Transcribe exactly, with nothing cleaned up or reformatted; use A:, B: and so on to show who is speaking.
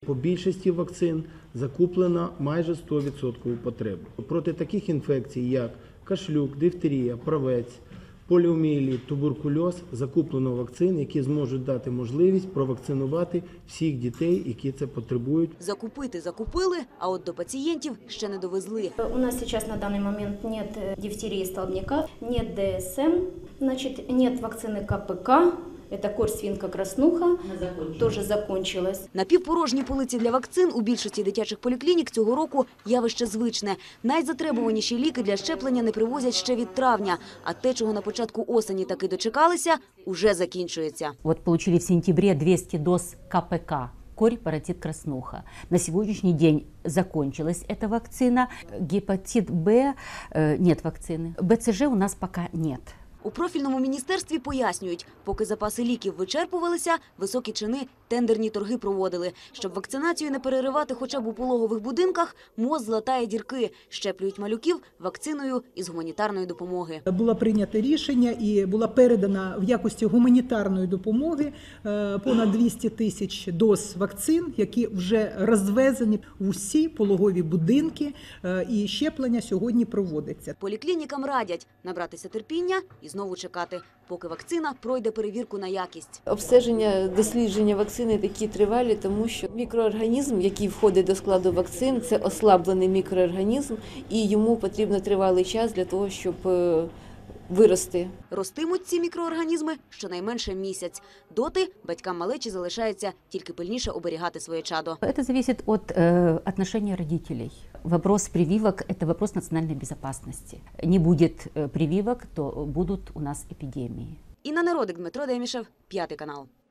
A: По більшості вакцин закуплено майже сто відсотків потреби. Проти таких інфекцій, як кашлюк, дифтерія, правець, поліомієліт, туберкульоз, закуплено вакцин, які зможуть дати можливість провакцинувати всіх дітей, які це потребують.
B: Закупити закупили, а от до пацієнтів ще не довезли.
C: У нас сейчас на данный момент нет дифтерии столбняка, нет ДСМ, значит, нет вакцины КПК. Это корь, свинка, краснуха, тоже закончилась.
B: Напівпорожні полиці для вакцин у більшості дитячих поліклінік цього року явище звичне. Найзатребуваніші ліки для щеплення не привозять ще від травня, а те, чого на початку осені таки дочекалися, уже закінчується.
D: Вот получили в сентябре двести доз КПК. Корь, паротит, краснуха. На сегодняшний день закончилась эта вакцина. Гепатит Б э, нет вакцины. БЦЖ у нас пока нет.
B: У профільному міністерстві пояснюють, поки запаси ліків вичерпувалися, високі чини тендерні торги проводили. Щоб вакцинацію не переривати хоча б у пологових будинках, МОЗ златає дірки, щеплюють малюків вакциною із гуманітарної допомоги.
E: Було прийнято рішення і була передана в якості гуманітарної допомоги понад двісті тисяч доз вакцин, які вже розвезені в усі пологові будинки, і щеплення сьогодні проводиться.
B: Поліклінікам радять набратися терпіння і знову чекати, поки вакцина пройде перевірку на якість.
F: Обстеження, дослідження вакцини такі тривалі, тому що мікроорганізм, який входить до складу вакцин, це ослаблений мікроорганізм, і йому потрібно тривалий час для того, щоб вирости.
B: Ростимуть ці мікроорганізми щонайменше місяць. Доти батькам малечі залишається тільки пильніше оберігати своє чадо.
D: Это зависит от э, отношения родителей. Вопрос прививок – это вопрос национальной безопасности. Не будет э, прививок, то будут у нас эпидемии.
B: Інна Народик, Дмитро Демішев, П'ятий канал.